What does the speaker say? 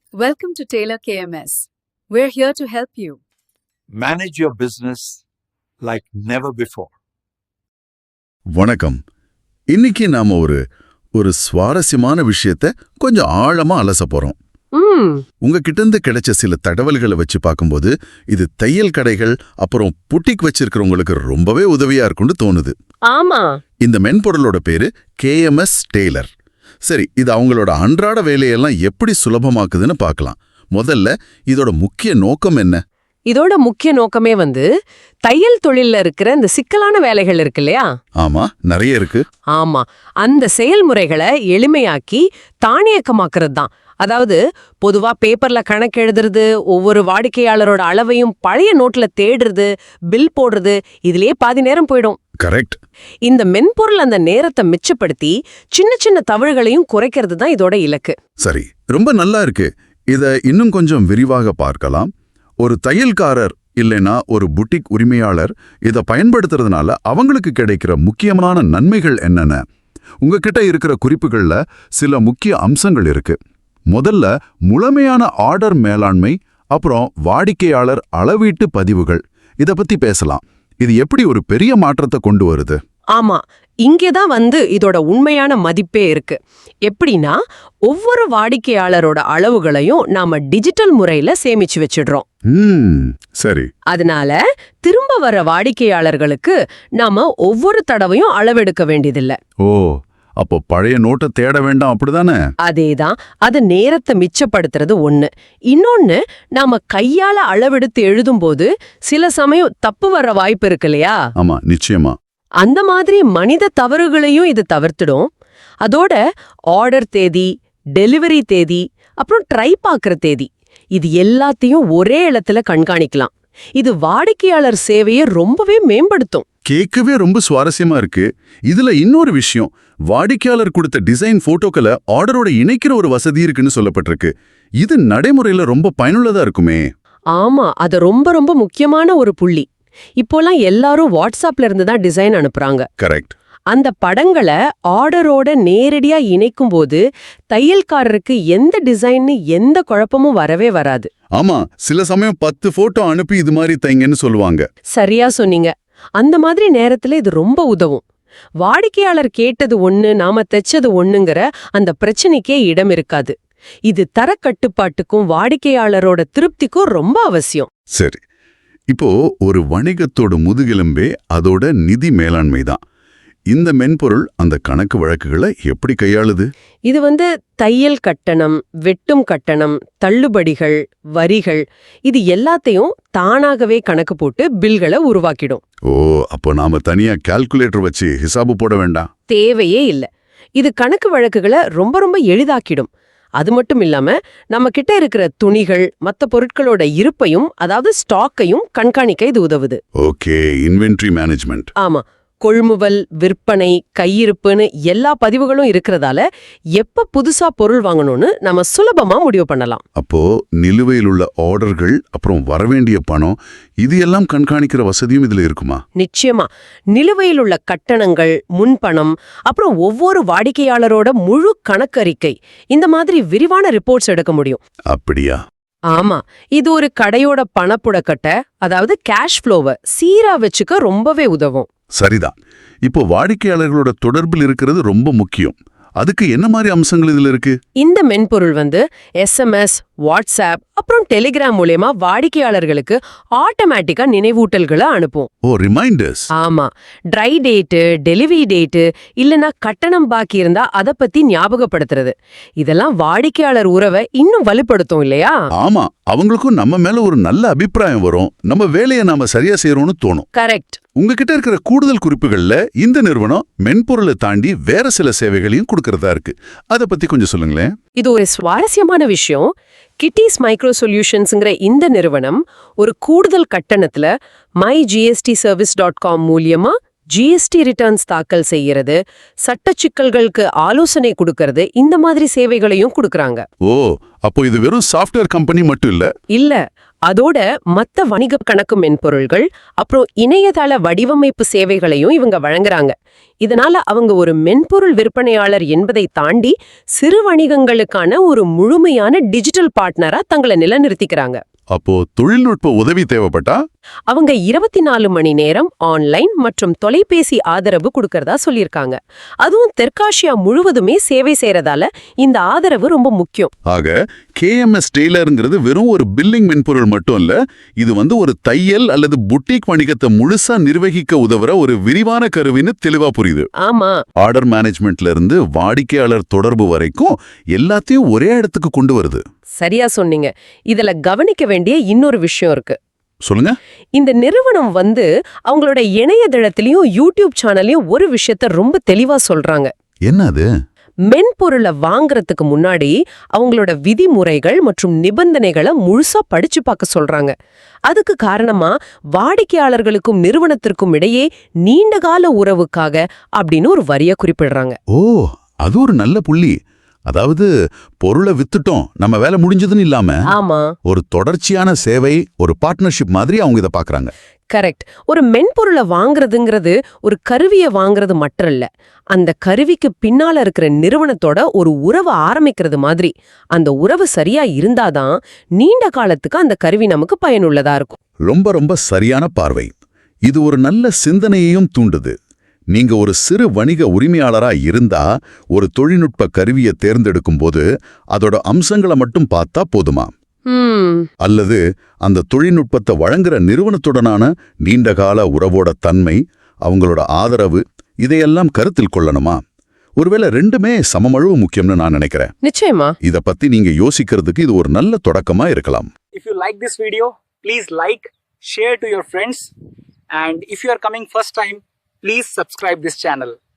Welcome to Taylor KMS. We're here to help you. Manage your business like never before. வணக்கம். இன்னைக்கு நாம ஒரு சுவாரஸ்யமான விஷயத்த கொஞ்சம் ஆழமா அலச போறோம். உங்ககிட்ட இருந்து கிடைச்ச சில தகவல்களை வச்சு பார்க்கும்போது இது தையல் கடைகள் அப்புறம் புட்டிக் வச்சிருக்கிறவங்களுக்கு ரொம்பவே உதவியா இருக்கும்னு தோணுது. ஆமா, இந்த மென்பொருளோட பேரு KMS டெய்லர். சரி, இது அவங்களோட அன்றாட வேலையெல்லாம் எப்படி சுலபமாக்குதுன்னு பார்க்கலாம். முதல்ல இதோட முக்கிய நோக்கம் என்ன? இதோட முக்கிய நோக்கமே தையல் தொழில்ல இருக்கிற இந்த சிக்கலான வேலைகள் இருக்கு இல்லையா? ஆமா, நிறைய இருக்கு. ஆமா, அந்த செயல்முறைகளை எளிமையாக்கி தானியக்கமாக்குறது தான். அதாவது பொதுவா பேப்பர்ல கணக்கு எழுதுறது, ஒவ்வொரு வாடிக்கையாளரோட அளவையும் பழைய நோட்ல தேடுறது, பில் போடுறது, இதுலயே பாதி நேரம் போயிடும். கரெக்ட். இந்த மென்பொருள் அந்த நேரத்தை மிச்சப்படுத்தி சின்ன சின்ன தவறுகளையும் குறைக்கிறது தான் இதோட இலக்கு. சரி, ரொம்ப நல்லா இருக்கு. இத இன்னும் கொஞ்சம் விரிவாக பார்க்கலாம். ஒரு தையல்காரர் இல்லைன்னா ஒரு புட்டிக் உரிமையாளர் இதை பயன்படுத்துறதுனால அவங்களுக்கு கிடைக்கிற முக்கியமான நன்மைகள் என்னென்ன? உங்ககிட்ட இருக்கிற குறிப்புகள்ல சில முக்கிய அம்சங்கள் இருக்கு. முதல்ல முழுமையான ஆர்டர் மேலாண்மை, அப்புறம் வாடிக்கையாளர் அளவீட்டு பதிவுகள். இத பத்தி பேசலாம். இது எப்படி ஒரு பெரிய மாற்றத்தை கொண்டு வருது? ஆமா, இங்கேதான் இதோட உண்மையான மதிப்பே இருக்கு. எப்படின்னா, ஒவ்வொரு வாடிக்கையாளரோட அளவுகளையும் நாம டிஜிட்டல் முறையில சேமிச்சு வச்சிடுறோம். சரி. அதனால திரும்ப வர வாடிக்கையாளர்களுக்கு நாம ஒவ்வொரு தடவையும் அளவெடுக்க வேண்டியதில்ல. ஓ, அப்போ பழைய நோட்டை தேட வேண்டாம், அப்படிதானே? அதேதான். அது நேரத்தை மிச்சப்படுத்துறது ஒண்ணு. இன்னொன்னு, நாம கையால அளவெடுத்து எழுதும்போது சில சமயம் தப்பு வர வாய்ப்பு இருக்கு இல்லையா? ஆமா, நிச்சயமா. அந்த மாதிரி மனித தவறுகளையும் இது தவிர்த்துடும். அதோட ஆர்டர் தேதி, டெலிவரி தேதி, அப்புறம் ட்ரை பார்க்குற தேதி, இது எல்லாத்தையும் ஒரே இடத்துல கண்காணிக்கலாம். இது வாடிக்கையாளர் சேவையை ரொம்பவே மேம்படுத்தும். கேட்கவே ரொம்ப சுவாரஸ்யமா இருக்கு. இதுல இன்னொரு விஷயம், வாடிக்கையாளர் கொடுத்த டிசைன் போட்டோக்களை ஆர்டரோட இணைக்கிற ஒரு வசதி இருக்குன்னு சொல்லப்பட்டிருக்கு. இது நடைமுறையில ரொம்ப பயனுள்ளதா இருக்குமே. ஆமா, அது ரொம்ப ரொம்ப முக்கியமான ஒரு புள்ளி. இப்போலாம் எல்லாரும் வாட்ஸ்அப்ல இருந்து தான் டிசைன் அனுப்புறாங்க. கரெக்ட். அந்த படங்களை ஆர்டரோட நேரடியா இணைக்கும் போது தையல்காரருக்கு எந்த டிசைன்னு எந்த குழப்பமும் வரவே வராது. ஆமா, சில சமயம் 10 போட்டோ அனுப்பி இது மாதிரி தைங்கன்னு சொல்லுவாங்க. சரியா சொன்னீங்க. அந்த மாதிரி நேரத்துல இது ரொம்ப உதவும். வாடிக்கையாளர் கேட்டது ஒண்ணு, நாம தைச்சது ஒண்ணுங்கிற அந்த பிரச்சனைக்கே இடம் இருக்காது. இது தரக்கட்டுப்பாட்டுக்கும் வாடிக்கையாளரோட திருப்திக்கும் ரொம்ப அவசியம். சரி, இப்போ ஒரு வணிகத்தோட முதுகெலும்பே அதோட நிதி மேலாண்மை தான். இந்த மென்பொருள் அந்த கணக்கு வழக்குகளை எப்படி கையாளுது? இது தையல் கட்டணம், வெட்டும் கட்டணம், தள்ளுபடிகள், வரிகள், இது எல்லாத்தையும் தானாகவே கணக்கு போட்டு பில்களை உருவாக்கிடும். ஓ, அப்போ நாம தனியா கால்குலேட்டர் வச்சு ஹிசாபு போட வேண்டாம். தேவையே இல்ல. இது கணக்கு வழக்குகளை ரொம்ப ரொம்ப எளிதாக்கிடும். அது மட்டும் இல்லாம நம்ம கிட்ட இருக்கிற துணிகள், மத்த பொருட்களோட இருப்பையும், அதாவது ஸ்டாக்கையும் கண்காணிக்க இது உதவுது. Okay, inventory management. ஆமா, கொள்முதல், விற்பனை, கையிருப்புன்னு எல்லா பதிவுகளும் இருக்கிறதால எப்ப புதுசா பொருள் வாங்கணும்னு நம்ம சுலபமா முடிவு பண்ணலாம். அப்போ நிலுவையில் உள்ள ஆர்டர்கள், அப்புறம் வரவேண்டிய பணம், இது எல்லாம் கண்காணிக்கிற வசதியும் இதுல இருக்குமா? நிச்சயமா. நிலுவையில் உள்ள கட்டணங்கள், முன்பணம், அப்புறம் ஒவ்வொரு வாடிக்கையாளரோட முழு கணக்கறிக்கை, இந்த மாதிரி விரிவான ரிப்போர்ட்ஸ் எடுக்க முடியும். அப்படியா? ஆமா, இது ஒரு கடையோட பணப்புழக்கட்டை, அதாவது கேஷ் ஃப்ளோவை சீரா வச்சுக்க ரொம்பவே உதவும். சரிதான். இப்போ வாடிக்கையாளர்களோட தொடர்பில் இருக்கிறது ரொம்ப முக்கியம். அதுக்கு என்ன மாதிரி அம்சங்கள் இதுல இருக்கு? இந்த மென்பொருள் SMS, வாட்ஸ்அப், அப்புறம் டெலிகிராம் மூலமா வாடிக்கையாளர்களுக்கு ஆட்டோமேட்டிக்கா நினைவூட்டல்களை அனுப்பும். ஓ, ரிமைண்டர்ஸ். ஆமா, ட்ரை டேட்டு, டெலிவரி டேட்டு, இல்லனா கட்டணம் பாக்கி இருந்தா அத பத்தி ஞாபகப்படுத்துறது, இதெல்லாம் வாடிக்கையாளர் உறவை இன்னும் வலுப்படுத்தும் இல்லையா? ஆமா, அவங்களுக்கும் நம்ம மேல ஒரு நல்ல அபிப்பிராயம் வரும். நம்ம வேலையை நாம சரியா செய்யறோம்னு தோணும். கரெக்ட். உங்ககிட்ட இருக்கிற கூடுதல் குறிப்புகள்ல இந்த நிறுவனம் மென்பொருளை தாண்டி வேற சில சேவைகளையும் கொடுக்கறதா இருக்கு. அத பத்தி கொஞ்சம் சொல்லுங்களேன். இது ஒரு சுவாரஸ்யமான விஷயம். கிட்டிஸ் மைக்ரோ சொல்யூஷன்ஸ்ங்கிற இந்த நிறுவனம் ஒரு கூடுதல் கட்டணத்துல mygstservice.com மூலியமா ஜிஎஸ்டி ரிட்டர்ன்ஸ் தாக்கல் செய்யறது, சட்ட சிக்கல்களுக்கு ஆலோசனை கொடுக்கறது, இந்த மாதிரி சேவைகளையும் கொடுக்கறாங்க. ஓ, அப்போ இது வெறும் சாஃப்ட்வேர் கம்பெனி மட்டும் இல்ல. இல்ல, அதோட மத்த வணிக கணக்கு மென்பொருள்கள் அப்புறம் இணையதள வடிவமைப்பு சேவைகளையும் இவங்க வழங்குறாங்க. இதனால அவங்க ஒரு மென்பொருள் விற்பனையாளர் என்பதை தாண்டி சிறு வணிகங்களுக்கான ஒரு முழுமையான டிஜிட்டல் பார்ட்னரா தங்களை நிலைநிறுத்திக்கிறாங்க. அப்போ தொழில்நுட்ப உதவி தேவைப்பட்டா அவங்க 24 மணி நேரம் ஆன்லைன் மற்றும் தொலைபேசி ஆதரவு கொடுக்கறதா சொல்லியிருக்காங்க. அதுவும் தெற்காசியா முழுவதுமே சேவை செய்யறதால இந்த ஆதரவு ரொம்ப முக்கியம். ஆக KMS டெய்லருங்கிறது வெறும் ஒரு பில்லிங் மென்பொருள் மட்டும் இல்ல, இது ஒரு தையல் அல்லது புட்டிக் வணிகத்தை முழுசா நிர்வகிக்க உதவுற ஒரு விரிவான கருவின்னு தெளிவா புரியுது. ஆமா, ஆர்டர் மேனேஜ்மெண்ட்ல இருந்து வாடிக்கையாளர் தொடர்பு வரைக்கும் எல்லாத்தையும் ஒரே இடத்துக்கு கொண்டு வருது. சரியா சொன்னீங்க. இதுல கவனிக்க வேண்டிய இன்னொரு விஷயம் இருக்கு. சொல்லுங்க. இந்த நிறுவனம் அவங்களோட இணையதளத்திலயும் யூடியூப் சேனல்லையும் ஒரு விஷயத்த ரொம்ப தெளிவா சொல்றாங்க. என்ன அது? மென்பொருளை வாங்குறதுக்கு முன்னாடி அவங்களோட விதிமுறைகள் மற்றும் நிபந்தனைகளை முழுசா படிச்சு பார்க்க சொல்றாங்க. அதுக்கு காரணமா வாடிக்கையாளர்களுக்கும் நிறுவனத்திற்கும் இடையே நீண்டகால உறவுக்காக அப்படின்னு ஒரு வரிய குறிப்பிடுறாங்க. ஓ, அது ஒரு நல்ல புள்ளி. அதாவது பொருளை வித்துட்டோம், நம்ம வேலை முடிஞ்சதுன்னு இல்லாம ஆமா, ஒரு தொடர்ச்சியான சேவை, ஒரு பார்ட்னர்ஷிப் மாதிரி அவங்க இதை பாக்குறாங்க. கரெக்ட். ஒரு மென்பொருளை வாங்குறதுங்கிறது ஒரு கருவியை வாங்குறது மட்டும் இல்ல, அந்த கருவிக்கு பின்னால இருக்கிற நிறுவனத்தோட ஒரு உறவை ஆரம்பிக்கிறது மாதிரி. அந்த உறவு சரியா இருந்தாதான் நீண்ட காலத்துக்கு அந்த கருவி நமக்கு பயனுள்ளதா இருக்கும். ரொம்ப ரொம்ப சரியான பார்வை. இது ஒரு நல்ல சிந்தனையையும் தூண்டுது. நீங்க ஒரு சிறு வணிக உரிமையாளரா இருந்தா ஒரு தொழில்நுட்ப கருவியை தேர்ந்தெடுக்கும் போது அதோட அம்சங்களை மட்டும் பார்த்தா போதுமா? அல்லது அந்த தொழில்நுட்பத்தை வழங்குற நிறுவனத்துடனான நீண்டகால உறவோட தன்மை, அவங்களோட ஆதரவு, இதையெல்லாம் கருத்தில் கொள்ளணுமா? ஒருவேளை ரெண்டுமே சமமளவு முக்கியம்னு நான் நினைக்கிறேன். நிச்சயமா. இத பத்தி நீங்க யோசிக்கிறதுக்கு இது ஒரு நல்ல தொடக்கமா இருக்கலாம். If you like this video, please like, share to your friends, and if you are coming first time, please subscribe this channel.